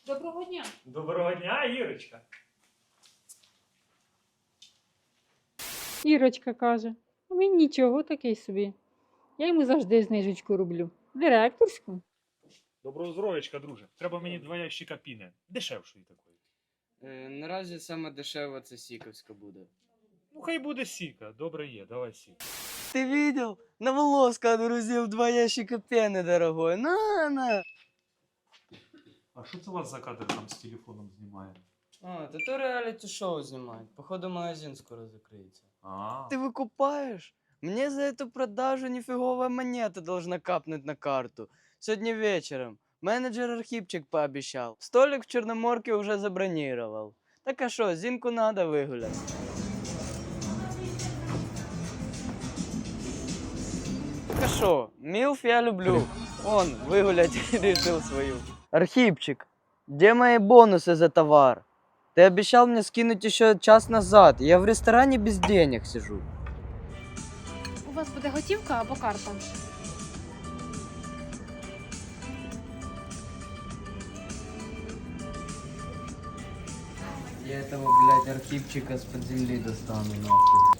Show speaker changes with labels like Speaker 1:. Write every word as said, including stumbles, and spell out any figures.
Speaker 1: Доброго дня.
Speaker 2: Доброго дня, Ірочка.
Speaker 1: Ірочка каже, а він нічого такий собі. Я йому завжди знижечку роблю. Директорську.
Speaker 2: Доброго здоров'ячка, друже. Треба мені два ящика піни. Дешевшої такої.
Speaker 3: Е, наразі саме дешево це сіковська буде.
Speaker 2: Ну, хай буде сіка. Добре є, давай сік.
Speaker 4: Ты видел? На Волоска отгрузил два ящика пены, дорогой. На, на.
Speaker 2: А що це у вас за кадр там з телефоном знімає?
Speaker 3: А, та то реаліті шоу знімають. Походу магазин скоро закриється.
Speaker 2: А,
Speaker 4: Ты выкупаешь? Мне за эту продажу нифиговая монета должна капнуть на карту. Сегодня вечером. Менеджер Архипчик пообещал. Столик в Черноморке уже забронировал. Так а шо, Зинку надо выгулять. Так а шо, милф я люблю. Он выгулять решил свою. Архипчик, где мои бонусы за товар? Ты обещал мне скинуть еще час назад. Я в ресторане без денег сижу.
Speaker 5: У вас буде готівка або карта?
Speaker 4: Я этого, блядь, Архипчика с-под земли достану, нахуй.